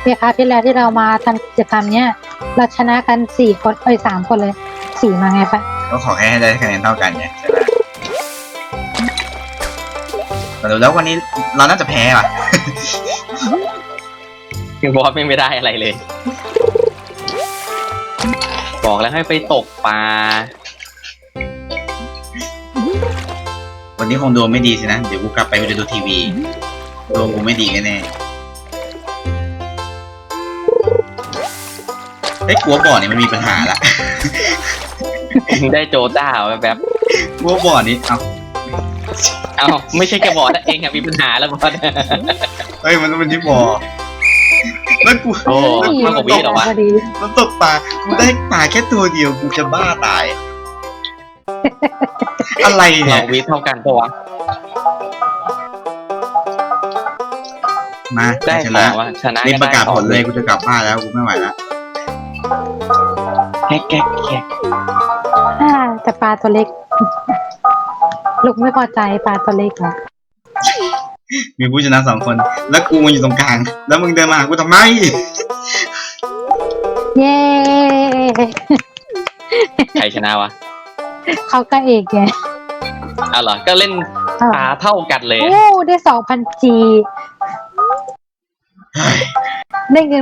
คราวที่แล้วที่เรามาทำกิจกรรมเนี้ยเราชนะกัน4 คน3 คนเลย4มาไงปะก็ขอแค่ให้ได้คะแนนเท่ากันไงใช่ไหมแต่ดูแล้ววันนี้เราน่าจะแพ้ว่ะบอสไม่ได้อะไรเลย บอกแล้วให้ไปตกปลาวันนี้คงดวงไม่ดีสินะเดี๋ยวกูกลับไปกูจะดูทีวีดวงกูไม่ดีแน่ๆไอ้ยกลัวบ่อนี่มันมีปัญหาละได้โจต้าแบบกลัวบ่อนี้เอ้าเอ้าไม่ใช่แค่บอสนะเองอะมีปัญหาแล้วบอสเฮ้ยมันต้องเป็นที่บ่อแล้วกูโอ้ มากกว่าวิเหรอวะพอดีมันตกปลากูได้ปลาแค่ตัวเดียวกูจะบ้าตาย อะไรเนี่เรายวิเท่ากันปะวะมาได้ชเปนะล่าวะชนะรีบประกาศได้ผลเลยกูจะกลับบ้านแล้วกูไม่ไหวแล้วแก๊กแก๊กแก๊กแต่ปลาตัวเล็ก ลูกไม่พอใจปลาตัวเล็กเหรอมีผู้ชนะ2 คน แล้วกูมาอยู่ตรงกลาง แล้วมึงเดินมาหากูทำไมเย้ใครชนะวะเขาก็เอกไงเอาเหรอก็เล่นปลาเท่ากันเลยโอ้ได้2,000 G ได้เงิน